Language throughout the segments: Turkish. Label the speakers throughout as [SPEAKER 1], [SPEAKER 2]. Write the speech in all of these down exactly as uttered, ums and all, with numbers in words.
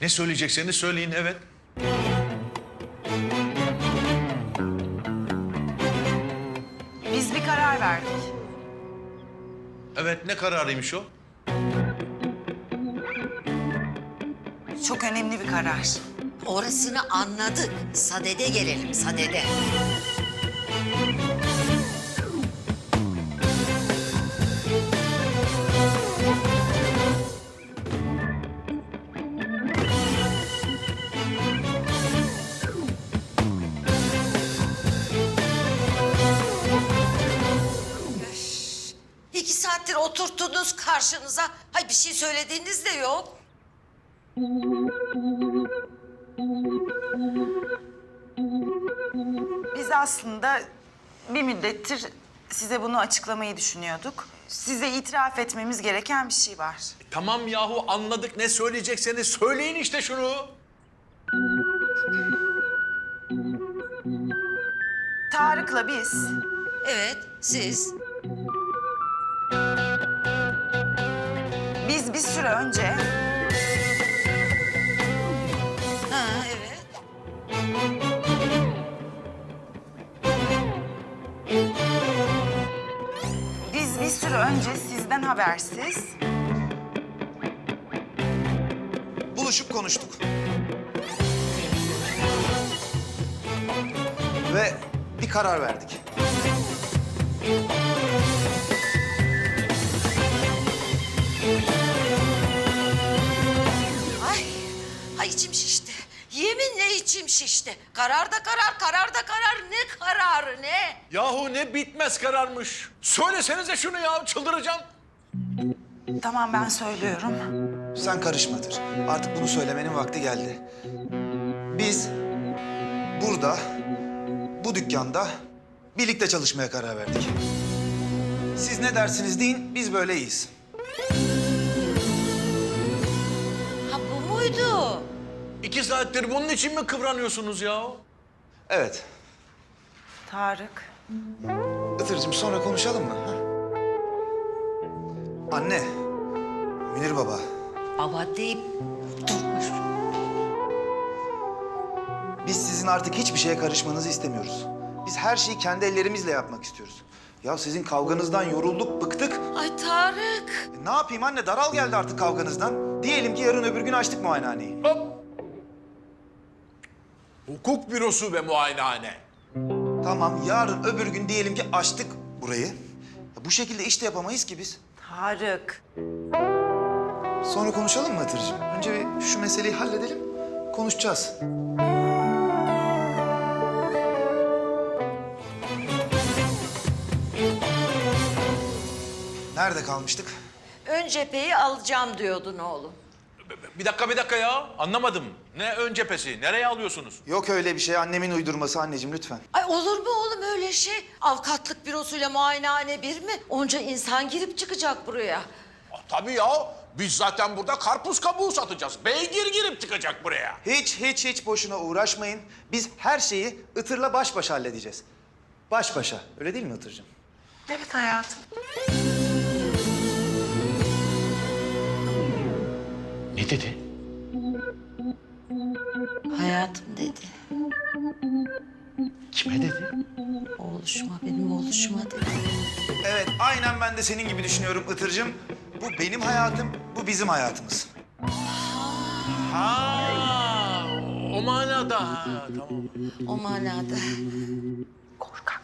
[SPEAKER 1] Ne söyleyecekseniz söyleyin, evet.
[SPEAKER 2] Biz bir karar verdik.
[SPEAKER 1] Evet, ne kararıymış o?
[SPEAKER 2] Çok önemli bir karar.
[SPEAKER 3] Orasını anladık. Sadede gelelim, sadede. Öf, İki saattir oturttunuz karşınıza. Hay bir şey söylediğiniz de yok.
[SPEAKER 2] Biz aslında bir müddettir size bunu açıklamayı düşünüyorduk. Size itiraf etmemiz gereken bir şey var.
[SPEAKER 1] Tamam yahu, anladık. Ne söyleyecekseniz söyleyin işte şunu.
[SPEAKER 2] Tarık'la biz
[SPEAKER 3] Evet, siz.
[SPEAKER 2] Biz bir süre önce
[SPEAKER 3] Ha, evet.
[SPEAKER 2] biz bir süre önce sizden habersiz
[SPEAKER 4] Buluşup konuştuk. Ve bir karar verdik.
[SPEAKER 3] Ay, ay içim şişti. Yeminle içim şişti. Karar da karar, karar da karar. Ne kararı ne?
[SPEAKER 1] Yahu ne bitmez kararmış. Söylesenize şunu ya, çıldıracağım.
[SPEAKER 2] tamam ben söylüyorum.
[SPEAKER 4] Sen karışmadır. Artık bunu söylemenin vakti geldi. Biz burada, bu dükkanda birlikte çalışmaya karar verdik. Siz ne dersiniz deyin, biz böyle iyiyiz.
[SPEAKER 3] Ha bu muydu?
[SPEAKER 1] İki saattir bunun için mi kıvranıyorsunuz ya?
[SPEAKER 4] Evet.
[SPEAKER 2] Tarık.
[SPEAKER 4] Itırcığım sonra konuşalım mı? Ha? Anne, Münir baba.
[SPEAKER 3] Baba deyip durmuş.
[SPEAKER 4] Biz sizin artık hiçbir şeye karışmanızı istemiyoruz. Biz her şeyi kendi ellerimizle yapmak istiyoruz. Ya sizin kavganızdan yorulduk, bıktık.
[SPEAKER 3] Ay Tarık.
[SPEAKER 4] E, ne yapayım anne, daral geldi artık kavganızdan. Diyelim ki yarın öbür gün açtık muayenehaneyi.
[SPEAKER 1] Hop! Hukuk bürosu ve muayenehane.
[SPEAKER 4] Tamam, yarın öbür gün diyelim ki açtık burayı. Ya, bu şekilde iş de yapamayız ki biz.
[SPEAKER 2] Tarık.
[SPEAKER 4] Sonra konuşalım mı Hatırcığım? Önce bir şu meseleyi halledelim, konuşacağız. Nerede kalmıştık?
[SPEAKER 3] Ön cepheyi alacağım diyordun oğlum.
[SPEAKER 1] Bir dakika, bir dakika ya. Anlamadım. Ne ön cephesi? Nereye alıyorsunuz?
[SPEAKER 4] Yok öyle bir şey, annemin uydurması anneciğim lütfen.
[SPEAKER 3] Ay olur mu oğlum öyle şey? Avukatlık bürosuyla muayenehane bir mi? Onca insan girip çıkacak buraya.
[SPEAKER 1] Ah, tabii ya. Biz zaten burada karpuz kabuğu satacağız. Beygir girip çıkacak buraya.
[SPEAKER 4] Hiç hiç hiç boşuna uğraşmayın. Biz her şeyi Itır'la baş başa halledeceğiz. Baş başa. Öyle değil mi Itır'cığım?
[SPEAKER 2] Evet hayatım.
[SPEAKER 1] Ne dedi?
[SPEAKER 3] Hayatım dedi.
[SPEAKER 1] Kime dedi?
[SPEAKER 3] Oğluşuma, benim oğluşuma dedi.
[SPEAKER 4] Evet, aynen ben de senin gibi düşünüyorum Itır'cığım. Bu benim hayatım, bu bizim hayatımız.
[SPEAKER 1] Ha, o manada. Ha, tamam.
[SPEAKER 3] O manada.
[SPEAKER 2] Korkak.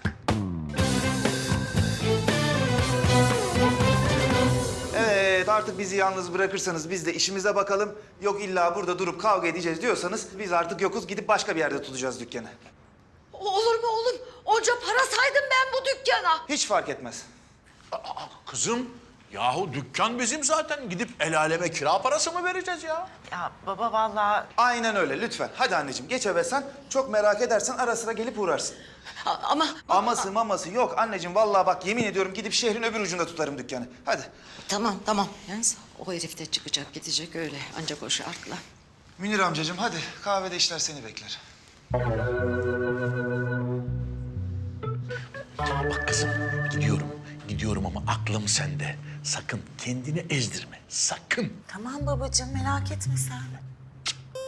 [SPEAKER 4] Evet, artık bizi yalnız bırakırsanız biz de işimize bakalım. Yok illa burada durup kavga edeceğiz diyorsanız biz artık yokuz, gidip başka bir yerde tutacağız dükkanı.
[SPEAKER 3] Olur mu oğlum? Onca para saydım ben bu dükkana.
[SPEAKER 4] Hiç fark etmez.
[SPEAKER 1] Aa, kızım, yahu dükkan bizim zaten. Gidip el aleme kira parası mı vereceğiz ya?
[SPEAKER 2] Ya baba vallahi
[SPEAKER 4] Aynen öyle, lütfen. Hadi anneciğim, geç eve sen. Çok merak edersen ara sıra gelip uğrarsın.
[SPEAKER 3] A- Ama
[SPEAKER 4] Aması maması yok anneciğim. Vallahi bak yemin ediyorum gidip şehrin öbür ucunda tutarım dükkanı. Hadi.
[SPEAKER 3] tamam tamam. Yalnız o herif de çıkacak gidecek öyle ancak o şartla.
[SPEAKER 4] Münir amcacığım hadi. Kahvede işler seni bekler.
[SPEAKER 1] Bak kızım, gidiyorum. Gidiyorum ama aklım sende. Sakın kendini ezdirme, sakın.
[SPEAKER 2] tamam babacığım merak etme sen.